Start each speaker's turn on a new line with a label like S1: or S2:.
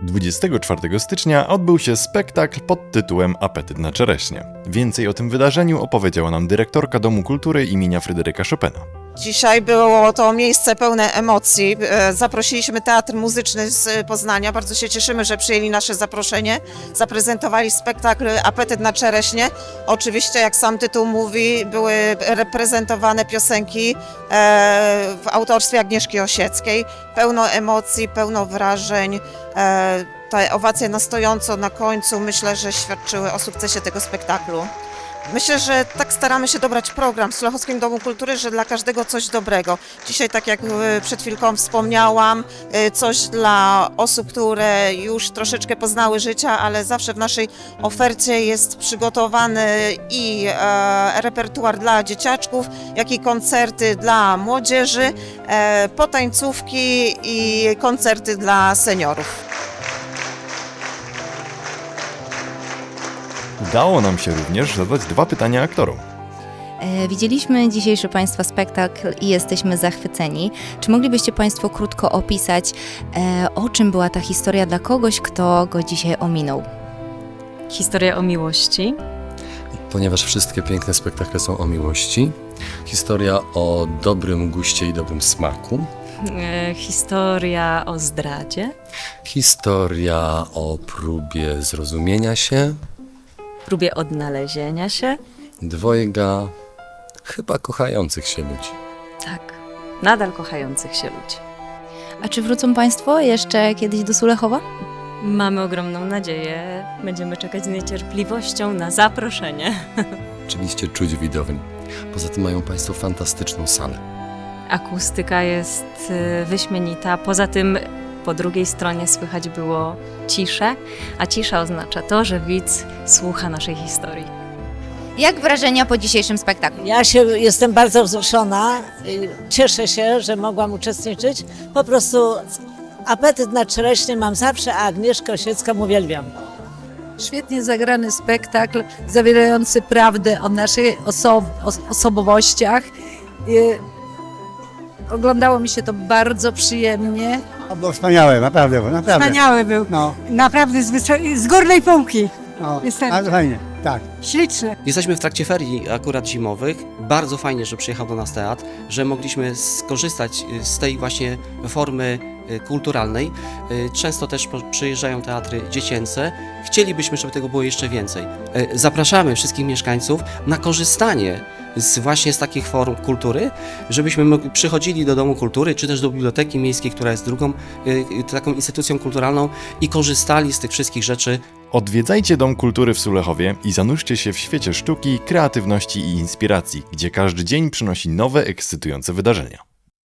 S1: 24 stycznia odbył się spektakl pod tytułem Apetyt na czereśnie. Więcej o tym wydarzeniu opowiedziała nam dyrektorka Domu Kultury imienia Fryderyka Chopina.
S2: Dzisiaj było to miejsce pełne emocji. Zaprosiliśmy Teatr Muzyczny z Poznania. Bardzo się cieszymy, że przyjęli nasze zaproszenie. Zaprezentowali spektakl Apetyt na czereśnie. Oczywiście, jak sam tytuł mówi, były reprezentowane piosenki w autorstwie Agnieszki Osieckiej. Pełno emocji, pełno wrażeń. Te owacje na stojąco na końcu, myślę, że świadczyły o sukcesie tego spektaklu. Myślę, że tak staramy się dobrać program w Sulechowskim Domu Kultury, że dla każdego coś dobrego. Dzisiaj, tak jak przed chwilką wspomniałam, coś dla osób, które już troszeczkę poznały życia, ale zawsze w naszej ofercie jest przygotowany i repertuar dla dzieciaczków, jak i koncerty dla młodzieży, potańcówki i koncerty dla seniorów.
S1: Udało nam się również zadać 2 pytania aktorom.
S3: Widzieliśmy dzisiejszy Państwa spektakl i jesteśmy zachwyceni. Czy moglibyście Państwo krótko opisać, o czym była ta historia dla kogoś, kto go dzisiaj ominął?
S4: Historia o miłości.
S5: Ponieważ wszystkie piękne spektakle są o miłości. Historia o dobrym guście i dobrym smaku.
S4: Historia o zdradzie.
S5: Historia o próbie zrozumienia się.
S4: Próbie odnalezienia się.
S5: Dwojga chyba kochających się ludzi.
S4: Tak, nadal kochających się ludzi.
S3: A czy wrócą Państwo jeszcze kiedyś do Sulechowa?
S4: Mamy ogromną nadzieję. Będziemy czekać z niecierpliwością na zaproszenie.
S5: Oczywiście czuć widowni. Poza tym mają Państwo fantastyczną salę.
S4: Akustyka jest wyśmienita. Poza tym po drugiej stronie słychać było ciszę, a cisza oznacza to, że widz słucha naszej historii.
S3: Jak wrażenia po dzisiejszym spektaklu?
S6: Jestem bardzo wzruszona. Cieszę się, że mogłam uczestniczyć. Po prostu apetyt na czereśnie mam zawsze, a Agnieszkę Osiecką uwielbiam.
S7: Świetnie zagrany spektakl, zawierający prawdę o naszych osobowościach. Oglądało mi się to bardzo przyjemnie.
S8: Było wspaniałe, naprawdę.
S9: Wspaniały był.
S8: No,
S9: Naprawdę z górnej półki.
S8: no,
S9: Jestem.
S8: bardzo fajnie, tak.
S9: Śliczny.
S10: Jesteśmy w trakcie ferii akurat zimowych. Bardzo fajnie, że przyjechał do nas teatr, że mogliśmy skorzystać z tej właśnie formy kulturalnej. Często też przyjeżdżają teatry dziecięce. Chcielibyśmy, żeby tego było jeszcze więcej. Zapraszamy wszystkich mieszkańców na korzystanie właśnie z takich form kultury, żebyśmy przychodzili do Domu Kultury, czy też do Biblioteki Miejskiej, która jest drugą taką instytucją kulturalną i korzystali z tych wszystkich rzeczy.
S1: Odwiedzajcie Dom Kultury w Sulechowie i zanurzcie się w świecie sztuki, kreatywności i inspiracji, gdzie każdy dzień przynosi nowe, ekscytujące wydarzenia.